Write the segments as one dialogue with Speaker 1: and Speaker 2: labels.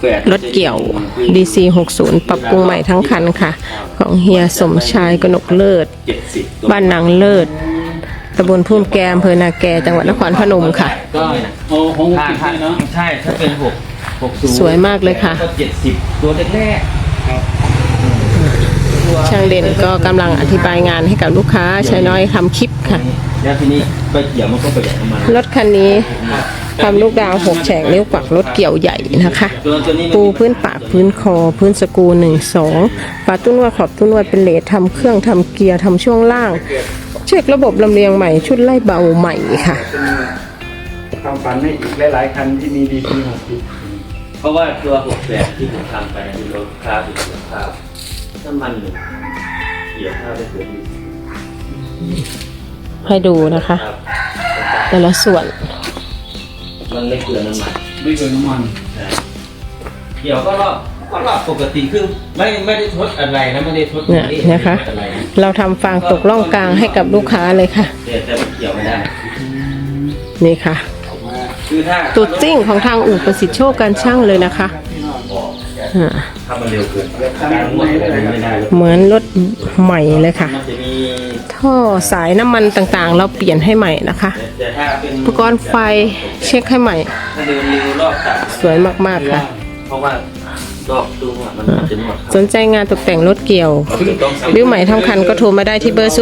Speaker 1: รถเกี่ยว DC 60 ปรับปรุงใหม่ทั้งคันค่ะ ของเฮียสมชายกนกเลิศ บ้านนางเลิศตำบลพุ่มแกอำเภอนาแกจังหวัดนครพนมค่ะ
Speaker 2: ก็ถ้าเนาะใช่ถ้าเป็น60
Speaker 1: สวยมากเลยค่ะ
Speaker 2: ก็70ตัวแรกๆ
Speaker 1: ช่างเด่นก็กำลังอธิบายงานให้กับลูกค้าชายน้อยทำคลิปค่ะ
Speaker 2: แล้วทีนี้ไปเกี่ยวมันก็ประหยัดน้ำมัน
Speaker 1: รถคันนี้ทำลูกดาว6 แฉกนิ้วกวักรถเกี่ยวใหญ่นะคะ ปูพื้นปากพื้นคอพื้นสกรู1-2ฝาตุ้นวดขอบตุ้นวดเป็นเลททำเครื่องทำเกียร์ทำช่วงล่างเช็คระบบลำเลียงใหม่ชุดไล่เบาใหม่ค่ะ
Speaker 3: ความฝันให้อีกหลายๆคันที่มีดีซี
Speaker 2: เพราะว่าตัว68ที่ผมทำไปคือรถคาร์บเกี่ยวข้าวน้ำมันหนึ่งเกี่ยวข้าวได้เกิน
Speaker 1: ให้ดูนะคะ แต่ละส่วน
Speaker 2: มันไม่เกินน้ำมัน
Speaker 3: ไม่เกินน้ำมัน
Speaker 2: เกี่ยวก็รอบปกติคือไม่ได้ทดอะไรนะไม่ได้ทด
Speaker 1: เนี่ยนะคะ เราทำฟางตกล่องกลางให้กับลูกค้าเลยค่ะ
Speaker 2: แต่มันเกี่ยวไม่ได้
Speaker 1: นี่ค่ะ
Speaker 2: คือถ้า
Speaker 1: ตัวจริงของทางอู่ประสิทธิโชคการช่างเลยนะคะ
Speaker 2: ถ้ามันเร็วเกินการหมดเลยไม่ได้
Speaker 1: เหมือนรถใหม่เลยค่ะ
Speaker 2: มันจะมี
Speaker 1: ท่อสายน้ำมันต่างๆ เราเปลี่ยนให้ใหม่นะคะ
Speaker 2: แต่ถ้าเป็น
Speaker 1: อุปกรณ์ไฟเช็คให้ใหม่
Speaker 2: ถ้าเดินเร็วรอบตัด
Speaker 1: สวยมากๆค่ะ
Speaker 2: เพราะว่ารอบตู้มันจะนวด
Speaker 1: สนใจงานตกแต่งรถเกี่ยวริ้วใหม่ทั้งคันก็โทรมาได้ที่เบอร์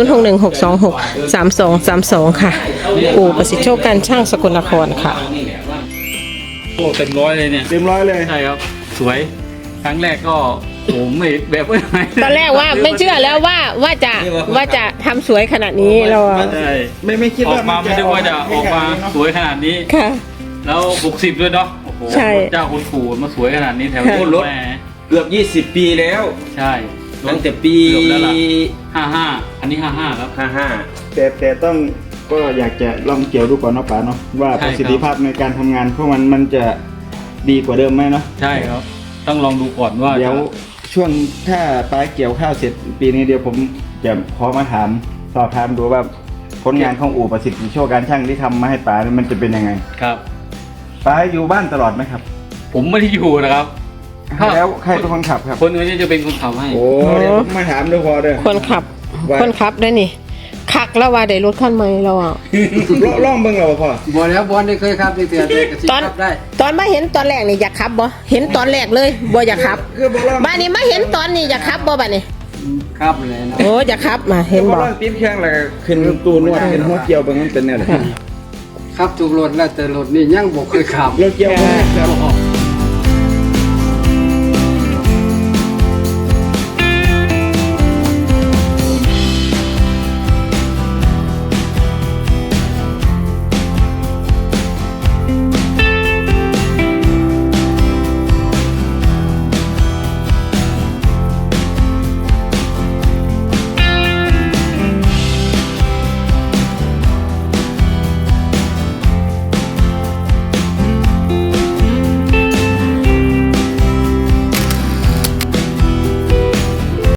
Speaker 1: 0616263232 ค่ะ อู่ประสิทธิโชคการช่างสกลนครค่ะ
Speaker 4: โอ้เต็มร้อยเลยเนี่ย
Speaker 3: เต็มร้อยเลย
Speaker 4: ใช่ครับ สวยครั้งแรกก็ผมไม่แบบว่าไง
Speaker 1: ตอนแรกว่าไม่เชื่อแล้วว่าจะทำสวยขนาดนี้เรา
Speaker 4: ใช่
Speaker 3: ไม่คิด
Speaker 4: ออ
Speaker 3: ว่าก
Speaker 4: มาไม่ได้ว่าจะออกมาสวยขนาดนี้
Speaker 1: ค่ะ
Speaker 4: แล้ว60ด้วยเนาะโอ้โห
Speaker 1: ใช่
Speaker 4: เจ้าคุณปู่มาสวยขนาดนี้แถว
Speaker 1: ค่ะ
Speaker 4: นี้
Speaker 2: รถ
Speaker 4: แหม
Speaker 2: เกือบ20 ปีแล้ว
Speaker 4: ใช่ร
Speaker 2: ตั้
Speaker 4: ถ
Speaker 2: งแต่ปี
Speaker 4: เกือบแล้วล่ะ55อันนี้55ครับ
Speaker 2: 55
Speaker 3: แต่ต้องก็อยากจะลองเกี่ยวดูก่อนเนาะป๋าเนาะว่า
Speaker 4: ใช่
Speaker 3: ป
Speaker 4: ครับ
Speaker 3: ระสิทธิภาพในการทำงานเพราะมันจะดีกว่าเดิมไหมเนาะ
Speaker 4: ใช่ครับ ต้องลองดูก่อนว่า
Speaker 3: เดี๋ยวช่วงถ้าป๋าเกี่ยวข้าวเสร็จปีนี้เดี๋ยวผมจะขอมาสอบถามดูว่าผลงานของอู่ประสิทธิโชคการช่างที่ทำมาให้ป๋าเนี่ยมันจะเป็นยังไง
Speaker 4: ครับ
Speaker 3: ป๋าอยู่บ้านตลอดไหมครับ
Speaker 4: ผมไม่ได้อยู่นะครับ
Speaker 3: แล้วใครเป็นคนขับครับ
Speaker 4: คนอื่นจะเป็นคนขับให้
Speaker 3: โอ้เดี๋ยวผมมาถามดูพอเด้อ
Speaker 1: คนขับ
Speaker 3: ว่า
Speaker 1: คนขับได้นี่คักแล้วว่าได้รถคันใหม่เราอ่ะ
Speaker 3: ล่องเบิ่งเราบ่พอ
Speaker 5: บ่แล้วบอลได้เคยครับที่เตือนได้กระซิบ
Speaker 1: ตอน
Speaker 5: ครับได้
Speaker 1: ตอนมาเห็นตอนแรกนี่อยากขับบ่เห็นตอนแรกเลยบ่อยากขับ
Speaker 3: คือบ่ล่อง
Speaker 1: บ้านนี้มาเห็นตอนนี้อยากขับบ่บ้านนี้
Speaker 5: ครับเลยนะ
Speaker 1: โอ้อยากขับมาเห็น
Speaker 3: บ่
Speaker 1: บ่
Speaker 3: ล่องตีนเครื่องแล้วก็ขึ้นตู้นวดขึ้นหัวเกี่ยวเบิ่งมันเป็นแนวไหน
Speaker 5: ครับทุกรถแล้วแต่รถนี่ยังบ่เคยขับ
Speaker 3: รถเกี่ยวบ่ครับ